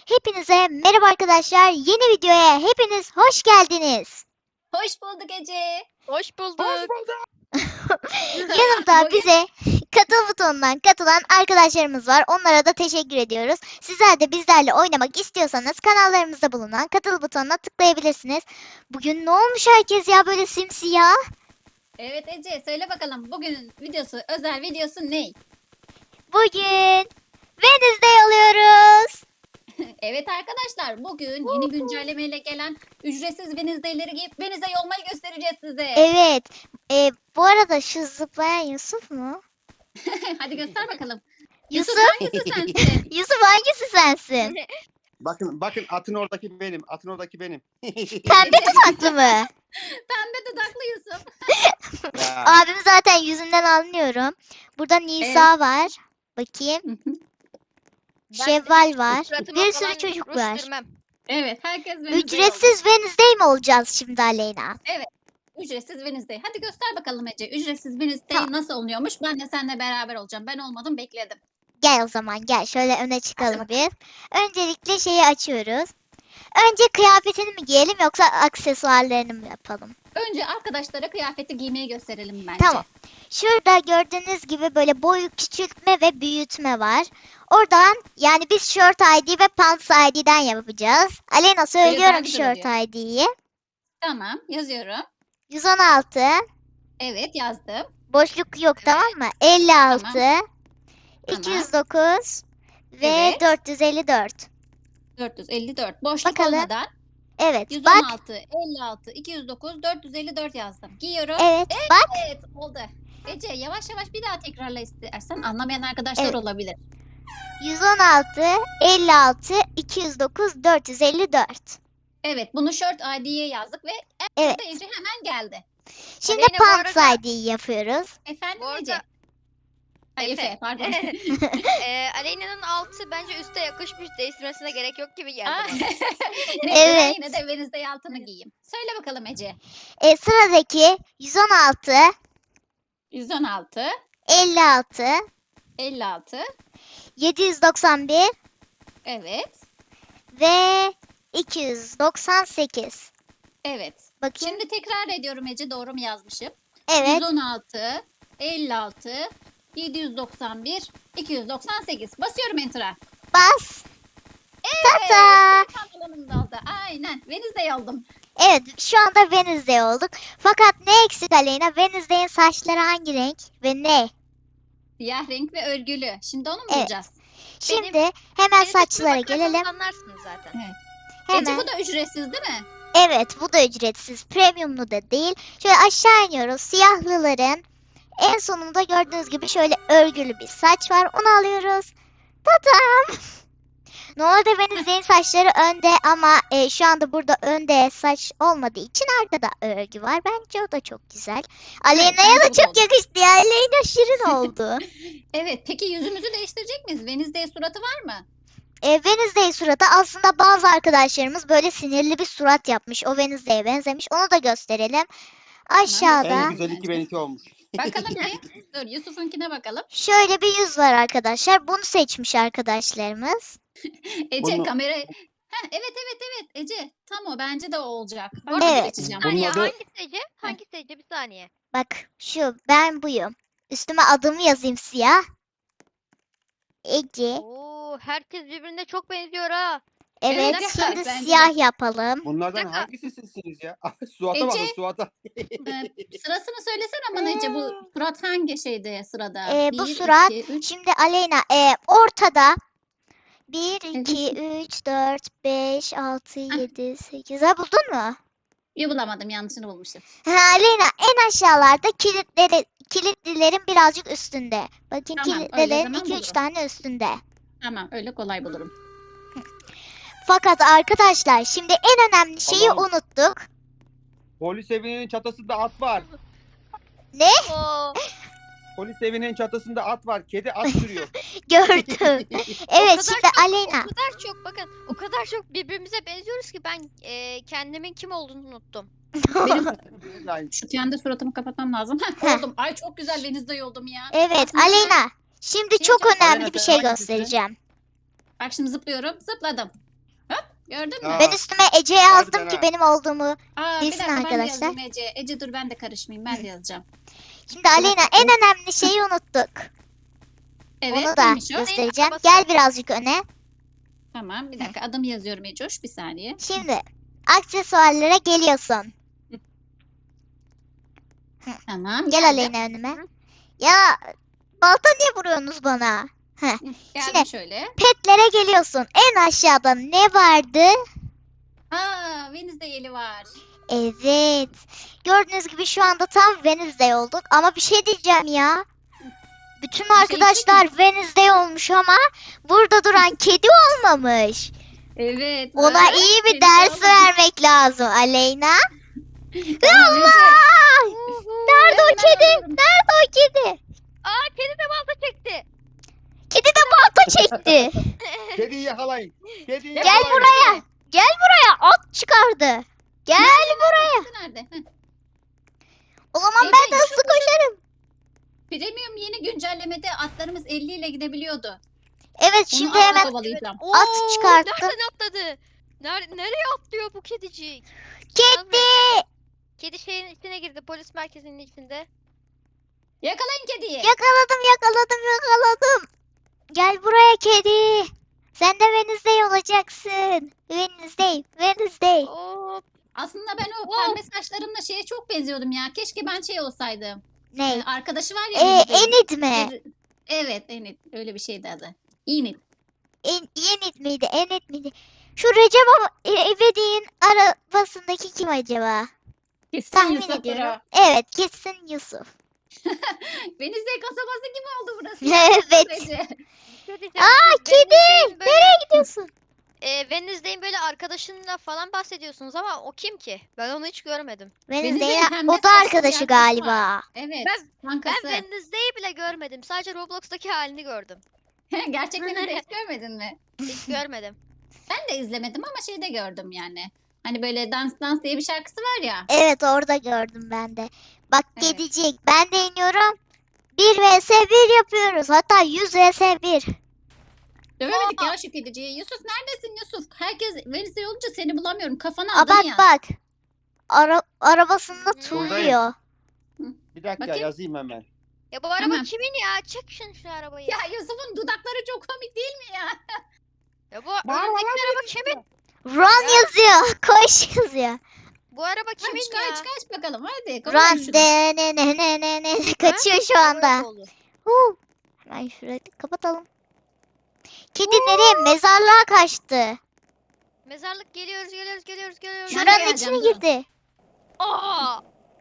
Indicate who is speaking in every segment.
Speaker 1: Hepinize merhaba arkadaşlar. Yeni videoya hepiniz hoş geldiniz.
Speaker 2: Hoş bulduk Ece.
Speaker 3: Hoş bulduk.
Speaker 1: Yanımda
Speaker 2: Bugün-
Speaker 1: bize katıl butonundan katılan arkadaşlarımız var. Onlara da teşekkür ediyoruz. Sizler de bizlerle oynamak istiyorsanız kanallarımızda bulunan katıl butonuna tıklayabilirsiniz. Bugün ne olmuş herkes ya böyle simsiyah?
Speaker 2: Evet Ece söyle bakalım bugünün videosu özel videosu ne?
Speaker 1: Bugün Wednesday alıyoruz.
Speaker 2: Evet arkadaşlar bugün yeni güncellemeyle gelen ücretsiz Wednesday'leri giyip Wednesday olmayı göstereceğiz size.
Speaker 1: Evet. Bu arada şu zıplayan Yusuf mu?
Speaker 2: Hadi göster bakalım.
Speaker 1: Yusuf?
Speaker 2: Yusuf hangisi sensin?
Speaker 1: Yusuf hangisi sensin?
Speaker 4: Bakın atın oradaki benim. Atın oradaki benim.
Speaker 1: Pembe dudaklı mı?
Speaker 2: Pembe dudaklı Yusuf.
Speaker 4: Ya,
Speaker 1: Abim zaten yüzünden anlıyorum. Burada Nisa var. Bakayım. Şevval var.
Speaker 3: Suratıma
Speaker 1: Bir
Speaker 3: falan
Speaker 1: sürü çocuk
Speaker 3: ruj
Speaker 1: var.
Speaker 3: sürmem.
Speaker 2: Evet herkes Wednesday
Speaker 1: Ücretsiz
Speaker 2: oldu.
Speaker 1: Wednesday mi olacağız şimdi Aleyna?
Speaker 2: Ücretsiz Wednesday. Hadi göster bakalım Ece. Ücretsiz Wednesday
Speaker 1: Tamam.
Speaker 2: nasıl oluyormuş? Ben de seninle beraber olacağım. Ben olmadım bekledim.
Speaker 1: Gel o zaman gel. Şöyle öne çıkalım bir. Öncelikle şeyi açıyoruz. Önce kıyafetini mi giyelim yoksa aksesuarlarını mı yapalım?
Speaker 2: Önce arkadaşlara kıyafeti giymeyi gösterelim bence.
Speaker 1: Tamam. Şurada gördüğünüz gibi böyle boy küçültme ve büyütme var. Oradan yani biz Shirt ID ve Pants ID'den yapacağız. Aleyna
Speaker 2: daha
Speaker 1: söylüyorum
Speaker 2: güzel
Speaker 1: Shirt ID'yi.
Speaker 2: Tamam yazıyorum.
Speaker 1: 116.
Speaker 2: Evet yazdım.
Speaker 1: Boşluk yok tamam mı? 56,
Speaker 2: Tamam.
Speaker 1: 209 ve
Speaker 2: Evet.
Speaker 1: 454.
Speaker 2: 454. Boşluk
Speaker 1: Bakalım.
Speaker 2: olmadan
Speaker 1: Evet bak.
Speaker 2: 116, 56, 209, 454 yazdım. Giyiyorum.
Speaker 1: Evet bak.
Speaker 2: Evet oldu. Ece yavaş yavaş bir daha tekrarla istersen. Anlamayan arkadaşlar
Speaker 1: Evet.
Speaker 2: olabilir.
Speaker 1: 116, 56, 209, 454.
Speaker 2: Evet bunu Shirt ID'ye yazdık ve
Speaker 1: Evet.
Speaker 2: Ece hemen geldi.
Speaker 1: Şimdi
Speaker 3: Aleyna, bu
Speaker 1: Pants
Speaker 3: arada-
Speaker 1: ID'yi yapıyoruz.
Speaker 2: Efendim
Speaker 3: Bu
Speaker 2: Ece.
Speaker 3: arada
Speaker 2: Ay, Efe pardon.
Speaker 3: Aleyna'nın altı bence üste yakışmış. Değiştirmesine gerek yok gibi geldi
Speaker 2: Aa,
Speaker 3: bana.
Speaker 2: Neyse, ben
Speaker 1: Evet.
Speaker 2: yine de Wednesday altını giyeyim. Söyle bakalım Ece.
Speaker 1: Sıradaki 116,
Speaker 2: 116,
Speaker 1: 56,
Speaker 2: 56.
Speaker 1: 791
Speaker 2: Evet.
Speaker 1: ve 298.
Speaker 2: Evet.
Speaker 1: Bakayım.
Speaker 2: Şimdi tekrar ediyorum Ece doğru mu yazmışım?
Speaker 1: Evet.
Speaker 2: 116, 56, 791, 298. Basıyorum Enter'a.
Speaker 1: Bas.
Speaker 2: Evet.
Speaker 1: Tata.
Speaker 2: benim pantolonum da oldu. Aynen. Wednesday oldum.
Speaker 1: Evet şu anda Wednesday olduk. Fakat ne eksik Aleyna? Wednesday'in saçları hangi renk ve ne?
Speaker 2: Siyah renk ve örgülü. Şimdi onu mu
Speaker 1: Evet.
Speaker 2: bulacağız?
Speaker 1: Şimdi hemen
Speaker 3: Beni
Speaker 1: saçlara
Speaker 3: de bakarsanız
Speaker 1: gelelim.
Speaker 3: anlarsınız zaten.
Speaker 2: Ece
Speaker 1: Hemen.
Speaker 2: bu da ücretsiz değil mi?
Speaker 1: Evet bu da ücretsiz. Premiumlu da değil. Şöyle aşağı iniyoruz. Siyahlıların en sonunda gördüğünüz gibi şöyle örgülü bir saç var. Onu alıyoruz. Tatam. Normalde Wednesday'in saçları önde ama şu anda burada önde saç olmadığı için arkada örgü var. Bence o da çok güzel. Aleyna'ya
Speaker 2: bence
Speaker 1: da
Speaker 2: bu da
Speaker 1: çok
Speaker 2: oldu.
Speaker 1: yakıştı ya. Aleyna şirin oldu.
Speaker 2: Evet. Peki yüzümüzü değiştirecek miyiz? Wednesday suratı var mı?
Speaker 1: Wednesday suratı aslında bazı arkadaşlarımız böyle sinirli bir surat yapmış. O Wednesday'e benzemiş. Onu da gösterelim. Aşağıda
Speaker 4: en güzel iki benimki olmuş.
Speaker 2: Bakalım bir. Dur Yusuf'unkine bakalım.
Speaker 1: şöyle bir yüz var arkadaşlar. Bunu seçmiş arkadaşlarımız.
Speaker 2: Ece
Speaker 4: Bunu-
Speaker 2: kamera... Heh, evet Ece. Tam o bence de o olacak. Ben
Speaker 3: Orada
Speaker 2: bunu
Speaker 1: Evet.
Speaker 2: seçeceğim.
Speaker 3: Bir saniye
Speaker 4: Bunun adı-
Speaker 3: hangisi Ece? Hangisi Ece? Bir saniye.
Speaker 1: Bak şu ben buyum. Üstüme adımı yazayım siyah. Ece.
Speaker 3: Oo, herkes birbirine çok benziyor ha.
Speaker 1: Evet
Speaker 2: Evet,
Speaker 1: şimdi
Speaker 2: bence de.
Speaker 1: siyah yapalım.
Speaker 4: Bunlardan
Speaker 3: dakika.
Speaker 4: hangisi sizsiniz ya? Suata bakın
Speaker 2: Ece.
Speaker 4: Suata.
Speaker 2: Sırasını söylesene bana Ece. Bu surat hangi şeyde sırada?
Speaker 1: Bu
Speaker 2: 1,
Speaker 1: surat
Speaker 2: 2, 3.
Speaker 1: şimdi Aleyna ortada 1,
Speaker 2: Evet.
Speaker 1: 2, 3, 4, 5, 6, 7, 8. Ha buldun mu?
Speaker 2: Bulamadım yanlışını bulmuşum.
Speaker 1: Ha, Aleyna en aşağılarda kilitlilerin birazcık üstünde. Bakın
Speaker 2: Tamam, öyle
Speaker 1: kilitlilerin
Speaker 2: zaman
Speaker 1: 2-3
Speaker 2: bulurum.
Speaker 1: tane üstünde.
Speaker 2: Tamam öyle kolay bulurum.
Speaker 1: Fakat arkadaşlar şimdi en önemli şeyi
Speaker 4: Allah'ım.
Speaker 1: unuttuk.
Speaker 4: Polis evinin çatısında at var.
Speaker 3: Oo,
Speaker 4: Polis evinin çatısında at var. Kedi at sürüyor.
Speaker 1: Gördüm. Evet şimdi Aleyna.
Speaker 3: O kadar çok bakın. O kadar çok birbirimize benziyoruz ki ben kendimin kim olduğunu unuttum.
Speaker 2: Benim
Speaker 4: Yani
Speaker 2: şu kendi suratımı kapatmam lazım.
Speaker 1: Heh.
Speaker 2: Oldum. Ay çok güzel Wednesday oldum ya.
Speaker 1: Evet
Speaker 2: Aslında
Speaker 1: Aleyna. Şimdi
Speaker 2: Şey
Speaker 1: çok
Speaker 2: çok-
Speaker 1: önemli
Speaker 4: Aleyna,
Speaker 1: bir
Speaker 4: sen
Speaker 1: şey
Speaker 4: hangisini?
Speaker 1: göstereceğim.
Speaker 2: Bak şimdi zıplıyorum. Zıpladım. Gördün mü?
Speaker 4: Aa,
Speaker 1: Ben üstüme Ece yazdım
Speaker 4: harbiden
Speaker 1: ki
Speaker 4: ha.
Speaker 1: benim olduğumu.
Speaker 2: Aa, bir
Speaker 1: bilsin
Speaker 2: dakika ben de
Speaker 1: arkadaşlar.
Speaker 2: yazayım Ece. Ece dur ben de karışmayayım. Ben de yazacağım.
Speaker 1: Şimdi Aleyna
Speaker 2: dakika.
Speaker 1: en önemli şeyi unuttuk.
Speaker 2: Evet
Speaker 1: Onu da
Speaker 2: neymiş o?
Speaker 1: göstereceğim.
Speaker 3: Arabası.
Speaker 1: Gel birazcık öne.
Speaker 2: Tamam bir dakika adımı yazıyorum Ecoş. Bir saniye.
Speaker 1: Şimdi aksesuarlara geliyorsun.
Speaker 2: Tamam
Speaker 1: Gel
Speaker 2: geldim.
Speaker 1: Aleyna önüme. Ya balta niye vuruyorsunuz bana?
Speaker 2: Geldim
Speaker 1: Şimdi-
Speaker 2: şöyle.
Speaker 1: Petlere geliyorsun. En aşağıda ne vardı?
Speaker 2: Aa Wednesday eli var.
Speaker 1: Evet. Gördüğünüz gibi şu anda tam Wednesday olduk. Ama bir şey diyeceğim ya. Bütün
Speaker 2: şey
Speaker 1: arkadaşlar Wednesday olmuş ama burada duran kedi olmamış.
Speaker 2: Evet.
Speaker 1: Ona
Speaker 2: bak,
Speaker 1: iyi bir
Speaker 2: kedi
Speaker 1: ders
Speaker 2: oldu.
Speaker 1: vermek lazım Aleyna.
Speaker 2: Tamam, Ece.
Speaker 1: Allah! Nerede o
Speaker 2: Hemen
Speaker 1: kedi?
Speaker 2: alıyorum.
Speaker 1: Nerede o kedi?
Speaker 3: Aa kedi de balta çekti.
Speaker 1: Kedi de balta çekti.
Speaker 4: Kediyi yakalayın. Kediyi
Speaker 1: Gel
Speaker 4: yakalayın.
Speaker 1: buraya. Gel buraya. At çıkardı. Gel buraya.
Speaker 2: Nerede? Heh.
Speaker 1: O zaman
Speaker 2: Ece,
Speaker 1: ben de hızlı
Speaker 2: şu-
Speaker 1: koşarım.
Speaker 2: Premium yeni güncellemede atlarımız 50 ile gidebiliyordu.
Speaker 1: Evet
Speaker 2: Onu
Speaker 1: şimdi
Speaker 2: atla
Speaker 1: hemen
Speaker 2: kovalayacağım.
Speaker 3: Oo,
Speaker 1: çıkarttım.
Speaker 3: Nereden atladı? Nereye atlıyor bu kedicik?
Speaker 1: kedi.
Speaker 3: Kedi şeyin içine girdi. Polis merkezinin içinde.
Speaker 2: Yakalayın kediyi.
Speaker 1: Yakaladım. Gel buraya kedi. Sen de Wednesday olacaksın. Wednesday.
Speaker 3: Oo,
Speaker 2: Aslında ben o
Speaker 3: Wow.
Speaker 2: pembe saçlarımla şeye çok benziyordum ya. Keşke ben şey olsaydım.
Speaker 1: Ne?
Speaker 2: Arkadaşı var ya. Wednesday'in.
Speaker 1: Enid mi?
Speaker 2: Evet Enid. Öyle bir şeydi adı. Enid.
Speaker 1: Enid miydi? Enid miydi? Şu Recep İvedik'in arabasındaki kim acaba?
Speaker 2: Kesin
Speaker 1: Tahmin
Speaker 2: Yusuf'tur
Speaker 1: ediyorum.
Speaker 2: o.
Speaker 1: Evet kesin Yusuf.
Speaker 2: Wednesday kasabası gibi oldu burası.
Speaker 1: Evet.
Speaker 2: Ece.
Speaker 3: ne diyeceğim?
Speaker 1: Aa
Speaker 3: Siz
Speaker 1: kedi.
Speaker 3: Wednesday'in böyle,
Speaker 1: Nereye gidiyorsun?
Speaker 3: Wednesday'in böyle arkadaşınla falan bahsediyorsunuz ama o kim ki? Ben onu hiç görmedim.
Speaker 1: Wednesday'in
Speaker 2: pembe
Speaker 1: o da
Speaker 2: saçlı bir
Speaker 1: arkadaşı
Speaker 2: arkadaşı
Speaker 1: galiba.
Speaker 2: Evet.
Speaker 3: Ben
Speaker 2: Kankası.
Speaker 3: Wednesday'i bile görmedim. Sadece Roblox'taki halini gördüm.
Speaker 2: Gerçek Wednesday hiç görmedin mi?
Speaker 3: Hiç görmedim.
Speaker 2: Ben de izlemedim ama şeyde gördüm yani. Hani böyle dans diye bir şarkısı var ya.
Speaker 1: Evet orada gördüm ben de. Bak
Speaker 2: Evet.
Speaker 1: kedicik ben de iniyorum. 1 vs 1 yapıyoruz. Hatta 100 vs 1.
Speaker 2: Dövemedik ya şu kediciyi. Yusuf neredesin Yusuf? Herkes Wednesday olunca seni bulamıyorum. Kafana
Speaker 1: Aa
Speaker 2: adını
Speaker 1: bak
Speaker 2: yaz.
Speaker 1: bak. Arabasında
Speaker 4: Buradayım.
Speaker 1: turluyor.
Speaker 4: Bir dakika
Speaker 2: Bakayım.
Speaker 4: yazayım hemen.
Speaker 3: Ya bu araba
Speaker 2: Tamam.
Speaker 3: kimin ya? Çek şu arabayı.
Speaker 2: Ya Yusuf'un dudakları çok komik değil mi ya?
Speaker 3: Ya bu önündeki araba kimin?
Speaker 1: Run yazıyor. Koş yazıyor.
Speaker 3: Bu araba kimin ya?
Speaker 2: Kaç bakalım hadi. kovalım
Speaker 1: Run
Speaker 2: şunu.
Speaker 1: de ne kaçıyor şu anda.
Speaker 3: Araba oldu.
Speaker 1: Hemen şurayı kapatalım. Kedi nereye? Mezarlığa kaçtı.
Speaker 3: Mezarlık geliyoruz.
Speaker 2: Ben de
Speaker 1: Şuranın
Speaker 2: geleceğim,
Speaker 1: içine
Speaker 2: dur.
Speaker 1: girdi.
Speaker 3: Aa!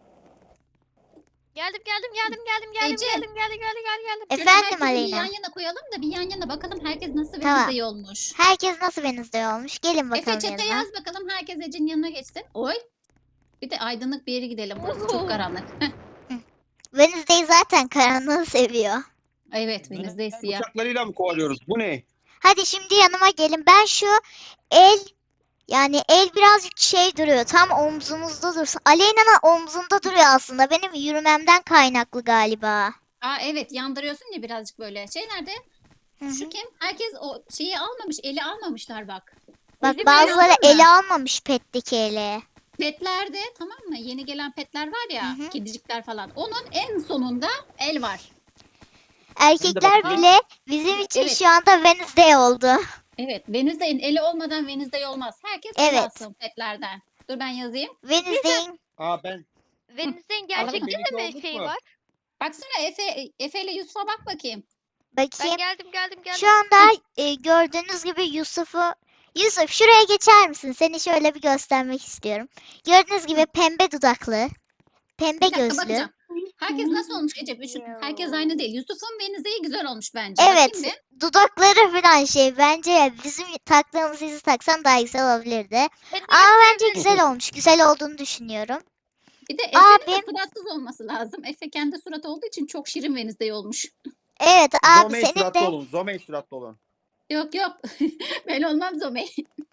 Speaker 3: Geldim.
Speaker 2: Ece.
Speaker 3: Geldim.
Speaker 2: Şöyle
Speaker 1: Efendim
Speaker 2: herkesi bir
Speaker 1: Aleyna.
Speaker 2: yan yana koyalım da bir yan yana bakalım herkes nasıl
Speaker 1: Tamam.
Speaker 2: Wednesday olmuş.
Speaker 1: Herkes nasıl Wednesday olmuş? Gelin bakalım
Speaker 2: Efe çete
Speaker 1: yanıma.
Speaker 2: yaz bakalım herkes Ece'nin yanına geçsin. Oy. Bir de aydınlık bir yere gidelim. Burası çok karanlık. Heh,
Speaker 1: Wednesday zaten karanlığı seviyor.
Speaker 2: evet Wednesday siyah.
Speaker 4: Uçaklarıyla mı kovalıyoruz? Bu ne?
Speaker 1: Hadi şimdi yanıma gelin. Ben şu el el birazcık şey duruyor. Tam omzumuzda dursun. Aleyna'nın omzunda duruyor aslında. Benim yürümemden kaynaklı galiba.
Speaker 2: Aa evet yandırıyorsun ya birazcık böyle. Şey nerede?
Speaker 1: Hı hı.
Speaker 2: Şu kim? Herkes o şeyi almamış. Eli almamışlar bak.
Speaker 1: Bak
Speaker 2: Eli
Speaker 1: bazıları
Speaker 2: böyle aldın mı?
Speaker 1: ele almamış petteki eli.
Speaker 2: Petlerde tamam mı? Yeni gelen petler var ya.
Speaker 1: Hı hı.
Speaker 2: Kedicikler falan. Onun en sonunda el var.
Speaker 1: Erkekler
Speaker 4: bakayım.
Speaker 1: bile bizim için
Speaker 2: Evet.
Speaker 1: şu anda Wednesday oldu.
Speaker 2: Evet. Wednesday'in eli olmadan Wednesday olmaz. Herkes
Speaker 1: Evet.
Speaker 2: el alsın petlerden. Dur ben yazayım.
Speaker 1: Wednesday'in
Speaker 4: Aa ben.
Speaker 3: Wednesday'in
Speaker 2: Alalım.
Speaker 3: gerçekten de
Speaker 4: Benimki
Speaker 3: mi
Speaker 4: olduk
Speaker 3: şeyi
Speaker 4: mu?
Speaker 3: var?
Speaker 2: Baksana Efe ile Yusuf'a bak bakayım.
Speaker 3: Ben
Speaker 1: bakayım.
Speaker 3: geldim.
Speaker 1: Şu anda gördüğünüz gibi Yusuf şuraya geçer misin? Seni şöyle bir göstermek istiyorum. Gördüğünüz gibi pembe dudaklı, pembe
Speaker 2: Bir dakika
Speaker 1: gözlü.
Speaker 2: bakacağım. Herkes nasıl olmuş Ece? Herkes aynı değil. Yusuf'un Wednesday'i güzel olmuş bence.
Speaker 1: Evet,
Speaker 2: Bakayım bir.
Speaker 1: dudakları falan şey bence bizim taktığımız izi taksan daha güzel olabilirdi.
Speaker 3: Ben de
Speaker 1: Ama bence güzel olmuş. Güzel olduğunu düşünüyorum.
Speaker 2: Bir de Efe'nin de
Speaker 1: Abim.
Speaker 2: suratsız olması lazım. Efe kendi surat olduğu için çok şirin Wednesday olmuş.
Speaker 1: Evet abi
Speaker 4: Zomey
Speaker 1: senin
Speaker 4: suratlı
Speaker 1: de
Speaker 4: olun. Zomey suratlı olun.
Speaker 2: Yok ben olmam Zomey.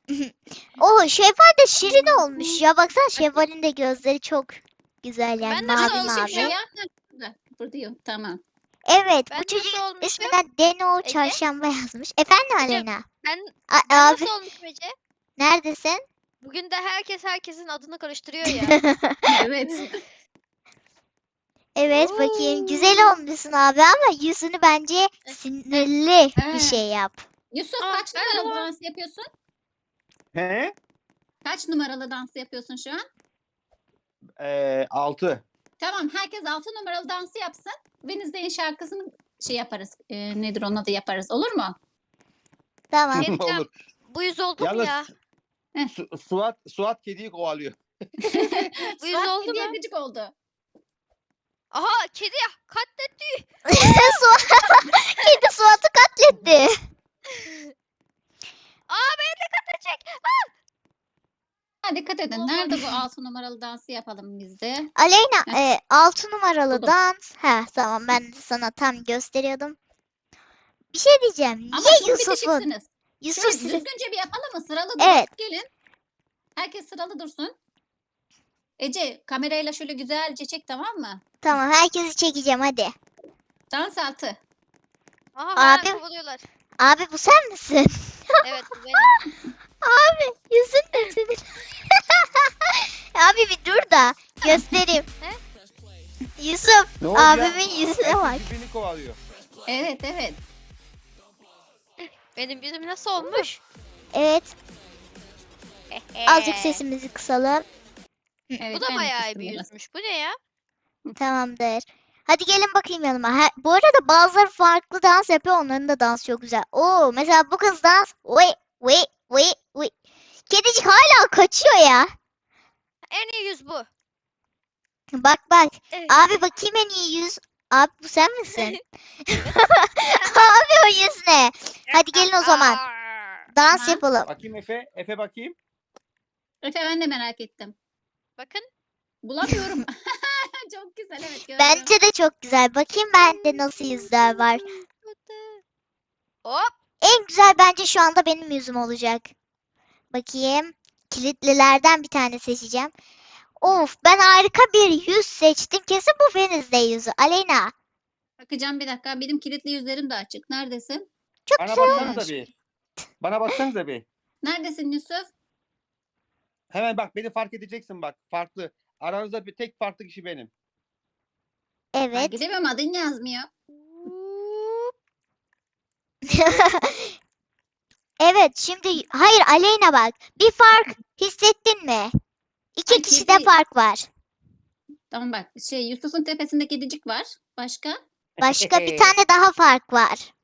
Speaker 1: o Şevval de şirin olmuş ya. Baksana Şevval'in de gözleri çok güzel yani
Speaker 3: Ben nasıl
Speaker 1: mavi
Speaker 3: olmuşum
Speaker 1: mavi.
Speaker 3: ya?
Speaker 2: Buradayım tamam.
Speaker 1: Evet
Speaker 3: Ben
Speaker 1: bu
Speaker 3: nasıl
Speaker 1: çocuğun
Speaker 3: olmuşum?
Speaker 1: ismine Deno
Speaker 3: Ece?
Speaker 1: Çarşamba yazmış. Efendim
Speaker 3: Ece,
Speaker 1: Aleyna?
Speaker 3: Ben
Speaker 1: Abi
Speaker 3: nasıl olmuşum Ece?
Speaker 1: Neredesin?
Speaker 3: Bugün de herkes herkesin adını karıştırıyor ya.
Speaker 2: Evet.
Speaker 1: Evet bakayım. Güzel olmuşsun abi ama yüzünü bence sinirli bir
Speaker 2: He.
Speaker 1: şey yap.
Speaker 2: Yusuf
Speaker 3: Aa,
Speaker 2: kaç
Speaker 3: ben
Speaker 2: numaralı
Speaker 3: de-
Speaker 2: dans yapıyorsun?
Speaker 4: He?
Speaker 2: Kaç numaralı dans yapıyorsun şu an?
Speaker 4: 6.
Speaker 2: Tamam, herkes 6 numaralı dansı yapsın. Wednesday'in şarkısını şey yaparız. Nedir onun adı yaparız. Olur mu?
Speaker 1: Tamam.
Speaker 3: Ne diyeceğim?
Speaker 4: Olur.
Speaker 3: Bu yüz oldu mu
Speaker 4: Yalnız
Speaker 3: ya?
Speaker 4: Suat kediyi kovalıyor.
Speaker 3: Bu yüz
Speaker 2: Suat
Speaker 3: oldu
Speaker 2: kediye
Speaker 3: mu?
Speaker 2: gıcık oldu.
Speaker 3: Aha kedi katletti.
Speaker 1: Kedi Suat'ı katletti.
Speaker 3: Aa beni de katledecek.
Speaker 2: Ha, dikkat edin.
Speaker 3: Olmadı.
Speaker 2: Nerede bu 6 numaralı dansı yapalım biz de?
Speaker 1: Aleyna 6 numaralı
Speaker 2: Buldum.
Speaker 1: dans. Ha tamam ben de sana tam gösteriyordum. Bir şey diyeceğim.
Speaker 2: Ama
Speaker 1: Niye
Speaker 2: çok
Speaker 1: Yusuf'un?
Speaker 2: bitişiksiniz.
Speaker 1: Yusuf
Speaker 2: Şöyle
Speaker 1: sizi-
Speaker 2: düzgünce bir yapalım mı? Sıralı durun.
Speaker 1: Evet.
Speaker 2: Gelin. Herkes sıralı dursun. Ece kamerayla şöyle güzelce çek, tamam mı?
Speaker 1: Tamam herkesi çekeceğim hadi.
Speaker 2: Dans altı.
Speaker 3: Aha bana
Speaker 1: Abim.
Speaker 3: kovalıyorlar.
Speaker 1: Abi bu sen misin?
Speaker 3: Evet bu benim.
Speaker 1: Abi yüzün ne senin? Abi bir dur da göstereyim.
Speaker 3: He?
Speaker 1: Yusuf
Speaker 4: Ne oldu ya?
Speaker 1: abimin yüzüne bak.
Speaker 4: Herkes birbirini kovalıyor.
Speaker 2: Evet evet.
Speaker 3: Benim yüzüm nasıl olmuş?
Speaker 1: Evet azıcık sesimizi kısalım.
Speaker 2: Evet,
Speaker 3: Bu da
Speaker 2: ben de
Speaker 3: bayağı
Speaker 2: kıstım
Speaker 3: bir
Speaker 2: biraz.
Speaker 3: yüzmüş. Bu ne ya?
Speaker 1: Tamamdır. Hadi gelin bakayım yanıma. Bu arada bazıları farklı dans yapıyor. Onların da dansı çok güzel. Oo mesela bu kız dans. Oy oy oy oy. Kedicik hala kaçıyor ya.
Speaker 3: En iyi yüz bu.
Speaker 1: Bak bak.
Speaker 3: Evet.
Speaker 1: Abi bakayım en iyi yüz. Abi bu sen misin? Abi o yüz ne? Hadi gelin o zaman.
Speaker 3: Aa.
Speaker 1: Dans
Speaker 2: Tamam.
Speaker 1: yapalım.
Speaker 4: Bakayım Efe. Efe bakayım.
Speaker 2: Efe ben de merak ettim.
Speaker 3: Bakın.
Speaker 2: Bulamıyorum. Çok güzel, evet gördüm.
Speaker 1: Bence de çok güzel. Bakayım bende nasıl yüzler var.
Speaker 3: Hop.
Speaker 1: En güzel bence şu anda benim yüzüm olacak. Bakayım. Kilitlilerden bir tane seçeceğim. Of ben harika bir yüz seçtim. Kesin bu Wednesday yüzü. Aleyna.
Speaker 2: Bakacağım bir dakika. Benim kilitli yüzlerim de açık. Neredesin?
Speaker 1: Çok
Speaker 4: Bana
Speaker 1: güzel
Speaker 4: baksanıza
Speaker 1: olmuş.
Speaker 4: bir. Bana baksanıza bir.
Speaker 2: Neredesin Yusuf?
Speaker 4: Hemen bak beni fark edeceksin bak. Farklı. Aranızda bir tek farklı kişi benim.
Speaker 1: Evet.
Speaker 2: Fark edemiyorum, adın yazmıyor.
Speaker 1: Evet şimdi hayır Aleyna bak. Bir fark hissettin mi? İki
Speaker 2: Ay,
Speaker 1: kişide
Speaker 2: kedi.
Speaker 1: fark var.
Speaker 2: Tamam bak. Yusuf'un tepesinde kedicik var. Başka?
Speaker 1: Başka bir tane daha fark var.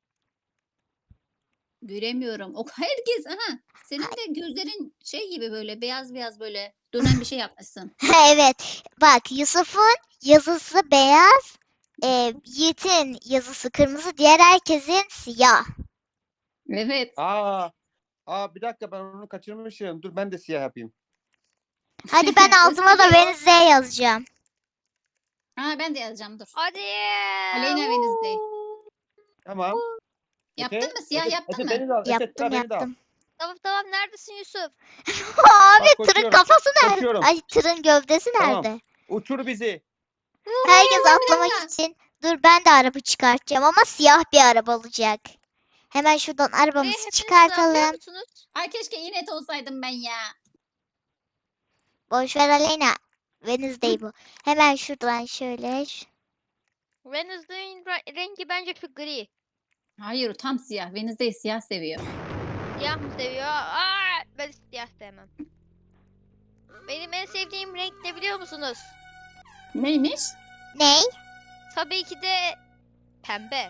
Speaker 2: Göremiyorum. Herkes. Aha. Senin de gözlerin gibi böyle beyaz beyaz böyle dönen bir şey yapmışsın.
Speaker 1: Evet. Bak Yusuf'un yazısı beyaz. Yiğit'in yazısı kırmızı. Diğer herkesin siyah.
Speaker 2: Evet.
Speaker 4: Aa bir dakika ben onu kaçırmışım. Dur ben de siyah yapayım.
Speaker 1: Hadi ben altıma da
Speaker 2: Gösteriyor.
Speaker 1: Wednesday yazacağım.
Speaker 2: Ha, ben de yazacağım, dur.
Speaker 3: Hadi.
Speaker 2: Aleyna Wednesday.
Speaker 4: Tamam.
Speaker 2: Yaptın
Speaker 4: Efe,
Speaker 2: mı? Siyah
Speaker 4: Efe,
Speaker 2: yaptın
Speaker 4: Efe,
Speaker 2: mı?
Speaker 4: Beni de al. Efe,
Speaker 1: Yaptım
Speaker 4: beni de al.
Speaker 1: yaptım.
Speaker 3: Tamam neredesin Yusuf?
Speaker 1: Abi
Speaker 4: Bak,
Speaker 1: tırın
Speaker 4: koşuyorum.
Speaker 1: kafası nerede?
Speaker 4: Koşuyorum.
Speaker 1: Ay tırın gövdesi
Speaker 4: Tamam.
Speaker 1: nerede?
Speaker 4: Uçur bizi.
Speaker 1: Herkes
Speaker 2: bir
Speaker 1: atlamak
Speaker 2: dakika.
Speaker 1: için. Dur ben de araba çıkartacağım ama siyah bir araba olacak. Hemen şuradan
Speaker 3: Buraya
Speaker 1: arabamızı
Speaker 3: hepiniz sığabiliyor
Speaker 1: çıkartalım.
Speaker 3: musunuz?
Speaker 2: Ay keşke inet olsaydım ben ya.
Speaker 1: Boş ver Aleyna. Wednesday bu. Hemen şuradan şöyle.
Speaker 3: Wednesday'in rengi bence şu gri.
Speaker 2: Hayır, tam siyah. Wednesday siyah seviyor.
Speaker 3: Siyah mı seviyor? Aa, ben siyah sevmem. Benim en sevdiğim renk ne biliyor musunuz?
Speaker 2: Neymiş?
Speaker 1: Ney?
Speaker 3: Tabii ki de pembe.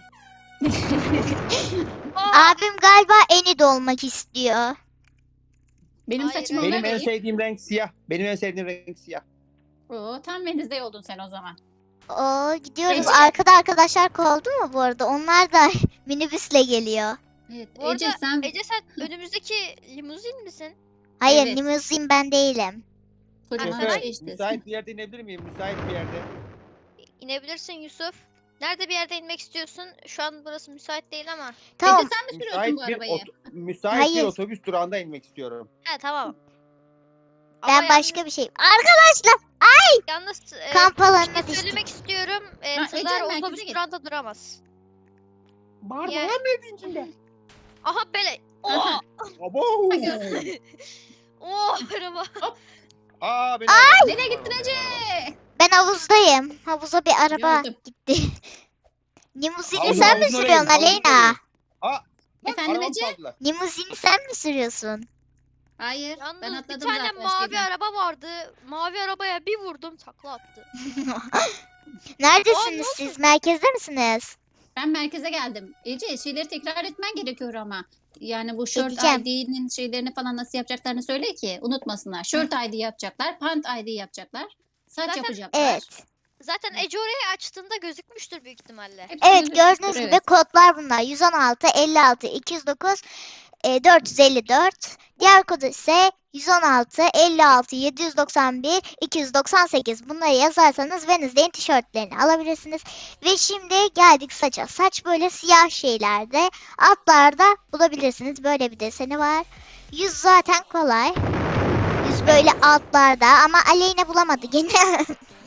Speaker 1: Abim galiba Enid olmak istiyor.
Speaker 2: Benim
Speaker 3: Hayır,
Speaker 2: saçım
Speaker 3: öyle
Speaker 4: Benim en
Speaker 2: olabilir.
Speaker 4: sevdiğim renk siyah. Benim en sevdiğim renk siyah.
Speaker 2: Oo, tam Wednesday oldun sen o zaman.
Speaker 1: Oo gidiyoruz.
Speaker 2: Ece.
Speaker 1: Arkada arkadaşlar kovdu mu bu arada? Onlar da minibüsle geliyor.
Speaker 2: Evet.
Speaker 3: Bu
Speaker 2: Ece
Speaker 3: arada
Speaker 2: sen
Speaker 3: Ece sen önümüzdeki limuzin misin?
Speaker 1: Hayır
Speaker 2: Evet.
Speaker 1: limuzin ben değilim.
Speaker 2: kocaman
Speaker 3: Aha.
Speaker 2: şey işte.
Speaker 4: Müsait bir yerde inebilir miyim? Müsait bir yerde.
Speaker 3: İnebilirsin Yusuf. Nerede bir yerde inmek istiyorsun? Şu an burası müsait değil ama.
Speaker 1: Tamam.
Speaker 2: Ece sen mi sürüyorsun bu arabayı?
Speaker 4: Müsait bir
Speaker 1: Hayır.
Speaker 4: otobüs durağında inmek istiyorum.
Speaker 3: He tamam.
Speaker 1: Ben
Speaker 3: Ama
Speaker 1: başka bir şey. Arkadaşlar
Speaker 3: yalnız
Speaker 1: kamp
Speaker 3: bir
Speaker 1: alanına
Speaker 3: şey
Speaker 1: düştük.
Speaker 3: söylemek istiyorum.
Speaker 2: Ha,
Speaker 3: Tırlar
Speaker 2: Ece, merkeze
Speaker 3: otobüs
Speaker 2: git.
Speaker 3: durağında duramaz.
Speaker 4: Bağırma
Speaker 3: Ya-
Speaker 4: lan ne içinde?
Speaker 3: Aha böyle. Oh!
Speaker 4: Abo.
Speaker 3: Oh araba.
Speaker 4: Aa beni
Speaker 2: Nereye gittin Ece?
Speaker 1: Ben havuzdayım. Havuza bir araba
Speaker 2: Gördüm.
Speaker 1: gitti. Limuzini
Speaker 4: Havuzun
Speaker 1: sen mi
Speaker 4: oraya
Speaker 1: sürüyorsun
Speaker 4: in, havuzun
Speaker 1: Aleyna?
Speaker 4: oraya in. Aa, lan
Speaker 2: Efendim
Speaker 4: arabamı
Speaker 2: Ece?
Speaker 4: çaldılar.
Speaker 1: Limuzini sen mi sürüyorsun?
Speaker 2: Hayır.
Speaker 3: Yalnız
Speaker 2: Ben
Speaker 3: bir
Speaker 2: atladım
Speaker 3: tane
Speaker 2: zaten
Speaker 3: mavi
Speaker 2: şeyden.
Speaker 3: araba vardı. Mavi arabaya bir vurdum takla attı.
Speaker 1: Neredesiniz
Speaker 3: oldu?
Speaker 1: siz? Merkezde misiniz?
Speaker 2: Ben merkeze geldim. Ece şeyleri tekrar etmen gerekiyor ama. Yani bu Shirt
Speaker 1: Edeceğim.
Speaker 2: ID'nin şeylerini falan nasıl yapacaklarını söyle ki unutmasınlar. Shirt ID yapacaklar, Pant ID yapacaklar, saç
Speaker 3: Zaten-
Speaker 2: yapacaklar.
Speaker 1: Evet.
Speaker 3: Zaten Ece orayı açtığında gözükmüştür büyük ihtimalle.
Speaker 2: Hepsi
Speaker 1: Evet
Speaker 2: gözükmüştür,
Speaker 1: gördüğünüz gibi
Speaker 2: evet.
Speaker 1: kodlar bunlar. 116, 56, 209, 454. Diğer kod ise 116, 56, 791, 298. Bunları yazarsanız Wednesday'in tişörtlerini alabilirsiniz. Ve şimdi geldik saça. Saç böyle siyah şeylerde. Altlarda bulabilirsiniz. Böyle bir deseni var. Yüz zaten kolay. Yüz böyle altlarda ama Aleyna bulamadı gene.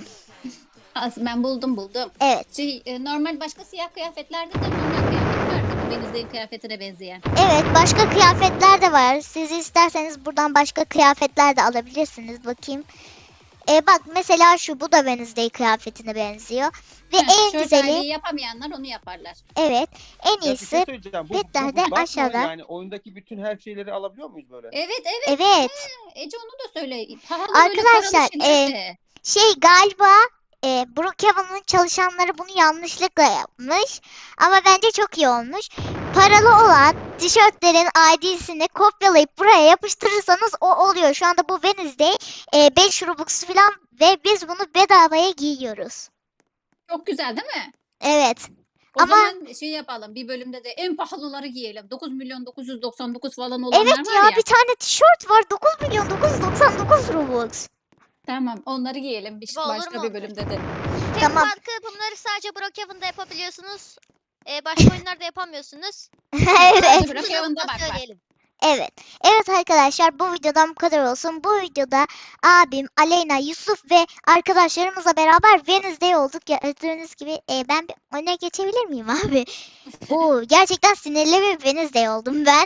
Speaker 2: Ben buldum.
Speaker 1: Evet.
Speaker 2: Normal başka siyah kıyafetlerde de normal kıyafet var. Bu Wednesday'in kıyafetine benzeyen.
Speaker 1: Evet, başka kıyafetler de var. Siz isterseniz buradan başka kıyafetler de alabilirsiniz. Bakayım. Bak mesela bu da Wednesday kıyafetine benziyor. Ve en
Speaker 2: Shirt
Speaker 1: güzeli,
Speaker 2: ID'yi yapamayanlar onu yaparlar.
Speaker 1: evet, en
Speaker 4: Ya bir şey
Speaker 1: iyisi,
Speaker 4: söyleyeceğim.
Speaker 1: petlerde
Speaker 4: bug mı?
Speaker 1: aşağıda.
Speaker 4: Yani oyundaki bütün her şeyleri alabiliyor muyuz böyle?
Speaker 2: Evet.
Speaker 1: evet.
Speaker 2: Ece onu da söyle. Pahalı böyle
Speaker 1: Arkadaşlar,
Speaker 2: paralı şeyler de.
Speaker 1: Galiba Brookhaven'ın çalışanları bunu yanlışlıkla yapmış. Ama bence çok iyi olmuş. Paralı olan tişörtlerin ID'sini kopyalayıp buraya yapıştırırsanız o oluyor. Şu anda bu Wednesday 5 Robux falan ve biz bunu bedavaya giyiyoruz.
Speaker 2: Çok güzel değil mi?
Speaker 1: Evet.
Speaker 2: O
Speaker 1: Ama-
Speaker 2: zaman şey yapalım. Bir bölümde de en pahalıları giyelim. 9 milyon 999 falan olanlar
Speaker 1: Evet
Speaker 2: var
Speaker 1: ya,
Speaker 2: ya.
Speaker 1: bir tane tişört var 9 milyon 999 Robux.
Speaker 2: Tamam onları giyelim
Speaker 3: Olur
Speaker 2: başka
Speaker 3: mu
Speaker 2: bir
Speaker 3: olur?
Speaker 2: bölümde de.
Speaker 3: Tek
Speaker 1: Tamam.
Speaker 3: farkı bunları sadece Brookhaven'da yapabiliyorsunuz. Başka oyunlarda yapamıyorsunuz.
Speaker 1: Evet.
Speaker 2: Sadece Brookhaven'da
Speaker 3: Bunu
Speaker 2: bak.
Speaker 1: Evet. Evet arkadaşlar, bu videodan bu kadar olsun. Bu videoda abim, Aleyna, Yusuf ve arkadaşlarımızla beraber Wednesday olduk. Gördüğünüz gibi ben bir öne geçebilir miyim abi? Oo, gerçekten sinirli bir Wednesday oldum ben.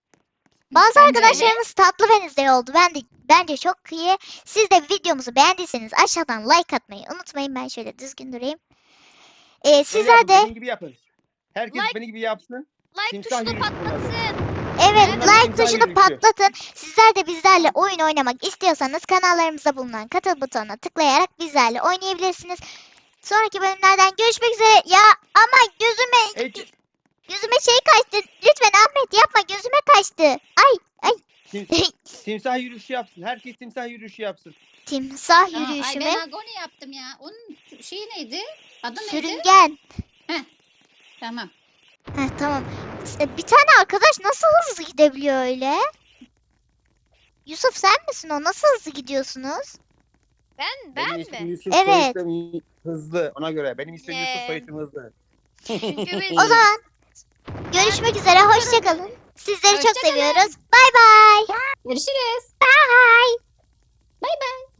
Speaker 1: Bazı
Speaker 2: Bence öyle.
Speaker 1: arkadaşlarımız tatlı Wednesday oldu. Bence çok iyi. Siz de videomuzu beğendiyseniz aşağıdan like atmayı unutmayın. Ben şöyle düzgün durayım.
Speaker 4: Böyle
Speaker 1: Sizler
Speaker 4: yapın,
Speaker 1: de
Speaker 4: benim gibi yapın. Herkes
Speaker 3: Like-
Speaker 4: benim gibi yapsın.
Speaker 3: Like
Speaker 4: Timsah
Speaker 3: tuşunu
Speaker 4: yürüyüşü bunlar.
Speaker 3: patlatsın.
Speaker 1: evet,
Speaker 4: Bunlar
Speaker 1: like
Speaker 4: timsah
Speaker 1: tuşunu
Speaker 4: yürüyüşü.
Speaker 1: patlatın. Sizler de bizlerle oyun oynamak istiyorsanız kanallarımızda bulunan katıl butonuna tıklayarak bizlerle oynayabilirsiniz. Sonraki bölümlerden görüşmek üzere. Ya ama
Speaker 4: Ece,
Speaker 1: gözüme şey kaçtı. Lütfen Ahmet yapma, gözüme kaçtı. Ay
Speaker 4: timsah yürüyüşü yapsın. Herkes timsah yürüyüşü yapsın.
Speaker 1: timsah
Speaker 2: Aa,
Speaker 1: yürüyüşü
Speaker 2: ay
Speaker 1: mü?
Speaker 2: ben agoni yaptım ya. Onun şeyi neydi? Adı neydi?
Speaker 1: Sürüngen.
Speaker 2: Tamam.
Speaker 1: Heh, tamam. Bir tane arkadaş nasıl hızlı gidebiliyor öyle? Yusuf sen misin o? Nasıl hızlı gidiyorsunuz?
Speaker 3: Ben
Speaker 4: Benim
Speaker 3: mi?
Speaker 4: ismim Yusuf,
Speaker 1: Evet.
Speaker 4: soyisim hızlı. Ona göre. Benim ismim Yusuf, soyisim hızlı.
Speaker 3: Çünkü biz
Speaker 1: O zaman görüşmek üzere. Hoşçakalın. Sizleri çok
Speaker 2: Hoşça kalın.
Speaker 1: seviyoruz. Bay bay.
Speaker 2: Görüşürüz.
Speaker 1: Bye.
Speaker 2: Bay bay.